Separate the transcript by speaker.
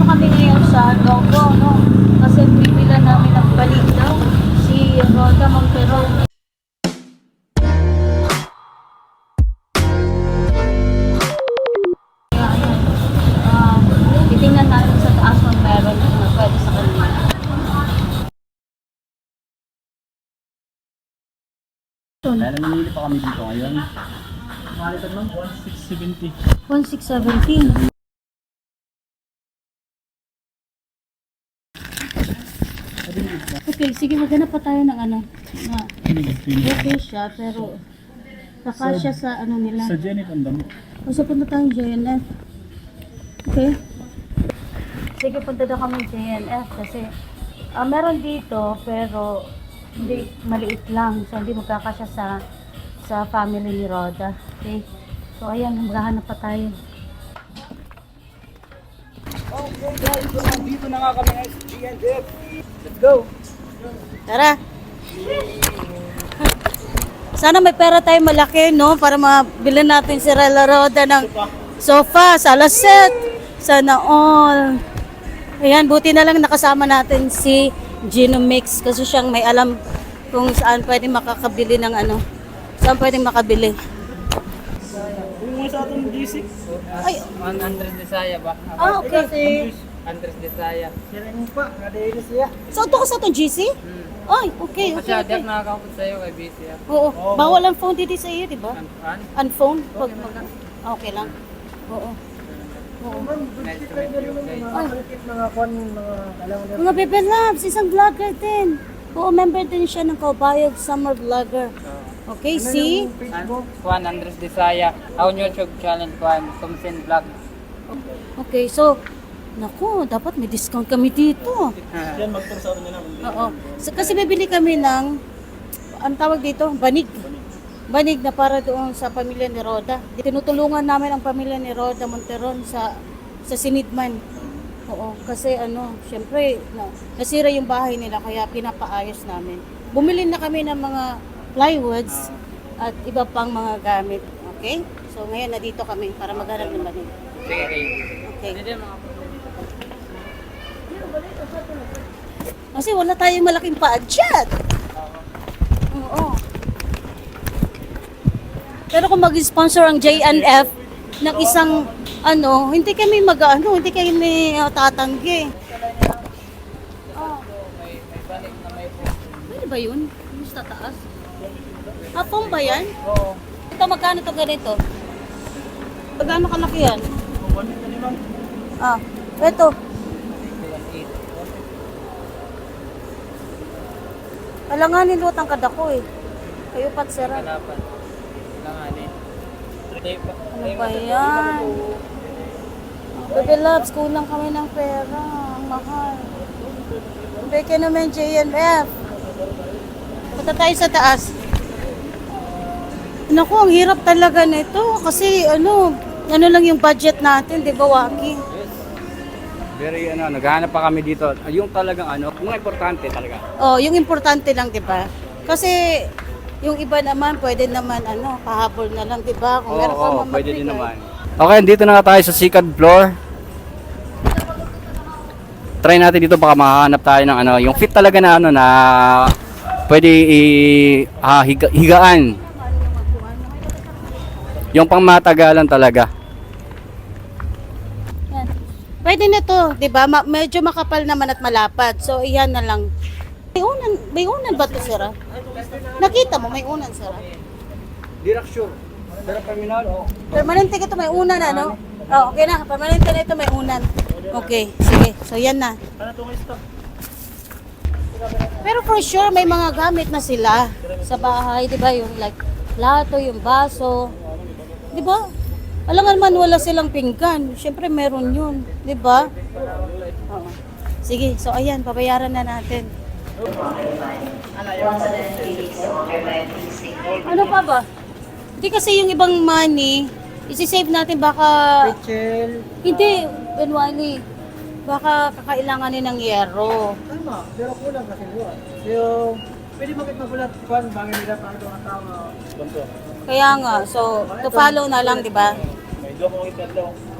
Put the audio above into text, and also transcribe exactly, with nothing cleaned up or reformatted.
Speaker 1: kami ngayon sa Logo, no? Kasi pipila namin ang balik daw si Roda Montero. Kaya ayan, uh, titingnan natin sa taas kung meron na pwede sa kanila.
Speaker 2: Kaya namimili pa kami dito ngayon. Nakalitan ng one six seven zero.
Speaker 1: one six one seven. Okay, sige, maghanap pa tayo ng ano. Na, okay siya, pero kakasya sa ano nila.
Speaker 2: Sa Jenny ang dami.
Speaker 1: O so, punta tayong J N F. Okay? Sige, punta daw kami J N F kasi ah, meron dito, pero hindi, maliit lang. So, hindi magkakasya sa sa family ni Roda. Okay? So, ayan, maghahanap pa tayo.
Speaker 2: Okay guys, so dito na nga kami guys, G N F. Let's go!
Speaker 1: Tara! Sana may pera tayo malaki, no? Para mabili natin si Rela Roda ng sofa, sala set. Sana all. Ayan, buti na lang nakasama natin si Gino Mix kasi siyang may alam kung saan pwede makakabili ng ano. Saan pwede makabili.
Speaker 2: Yung mga sa atong G six.
Speaker 1: Ay,
Speaker 3: one hundred Desaya ba?
Speaker 1: ah, okay.
Speaker 3: one hundred Desaya.
Speaker 2: Sira mo pa, nadahili siya.
Speaker 1: So, ito ka sa itong G C?
Speaker 3: Hmm.
Speaker 1: Ay, okay,
Speaker 3: Kasi
Speaker 1: okay,
Speaker 3: adak
Speaker 1: okay.
Speaker 3: nakakapot sa'yo kay B C ah.
Speaker 1: Oo, bawal ang phone dito sa iyo, di ba?
Speaker 3: An- an?
Speaker 1: Ang phone? Pag, pag, ah, okay lang. Oo. Oo.
Speaker 3: Nice to meet you guys.
Speaker 1: Ay,
Speaker 2: Mga kwan, mga alam mo
Speaker 1: mga Bebe Labs, isang vlogger din. Oo, member din siya ng Kaubayog Summer Vlogger. Okay, see?
Speaker 3: An- one hundred Desaya. Ang YouTube channel ko ang Kumsin Vlog.
Speaker 1: Okay, so, naku, dapat may discount kami dito.
Speaker 2: Yan, mag-tour sa ano nyo naman.
Speaker 1: Oo. So, kasi bibili kami ng, ang tawag dito, banig. Banig na para doon sa pamilya ni Roda. Tinutulungan namin ang pamilya ni Roda Monteron sa sa Sinidman. Oo, kasi ano, syempre, na, nasira yung bahay nila kaya pinapaayos namin. Bumili na kami ng mga plywoods at iba pang mga gamit. Okay? So ngayon na dito kami para maghanap ng banig.
Speaker 3: Sige, okay.
Speaker 1: Okay.
Speaker 3: Hindi mga
Speaker 1: Kasi wala tayong malaking budget. Oo. Pero kung mag-sponsor ang J N F ng isang ano, hindi kami mag-ano, hindi kami uh, tatanggi. Oh.
Speaker 3: may, may balik na may phone.
Speaker 1: Pwede ba yun? Mas tataas? Ah, phone ba yan?
Speaker 3: Oo.
Speaker 1: Ito, magkano to ganito? Magkano kalaki yan? Ah, ito. Alanganin lutang kadako eh. Kayo pat sira.
Speaker 3: Kalapan. Langanin. Tape pa.
Speaker 1: Ano ba yan? Oh, Bebe Labs, kulang kami ng pera. Ang mahal. Beke naman J N F. Punta tayo sa taas. Naku, ang hirap talaga nito. Kasi ano, ano lang yung budget natin, di ba, Waki?
Speaker 2: Very ano, naghahanap pa kami dito. Yung talagang ano, mga importante talaga.
Speaker 1: Oh, yung importante lang, di ba? Kasi yung iba naman, pwede naman, ano, pahabol na lang, di ba? Kung
Speaker 2: Oo,
Speaker 1: meron ka
Speaker 2: oo,
Speaker 1: man
Speaker 2: pwede din
Speaker 1: magbigay.
Speaker 2: naman. Okay, dito na nga tayo sa second floor. Try natin dito baka makahanap tayo ng ano, yung fit talaga na ano na pwede i ah, higa, higaan. Yung pangmatagalan talaga.
Speaker 1: Yan. Pwede na to, di ba? Ma- medyo makapal naman at malapad. So, iyan na lang. May unan, may unan ba ito, sira? Nakita mo, may unan, sira?
Speaker 2: Direct sure. Pero terminal, oh.
Speaker 1: Permanente ka ito, may unan, ano? Oh, okay na. Permanente na ito, may unan. Okay, sige. So, yan na.
Speaker 2: Ano to guys to?
Speaker 1: Pero for sure, may mga gamit na sila sa bahay, di ba? Yung like, plato, yung baso. Di ba? Alangan man wala silang pinggan. Siyempre, meron yun. Di ba? Oo. Sige, so ayan, babayaran na natin. Ano pa ba? Hindi kasi yung ibang money, isi-save natin baka...
Speaker 2: Rachel.
Speaker 1: Hindi, Benwali. Baka kakailanganin ng yero.
Speaker 2: Tama, pero kulang kasi yun. Yung, pwede bakit magulat kung bangin nila para ito ang tao. Ganto.
Speaker 1: Kaya nga, so, to follow na lang, di ba?
Speaker 2: May doon kong itadlaw.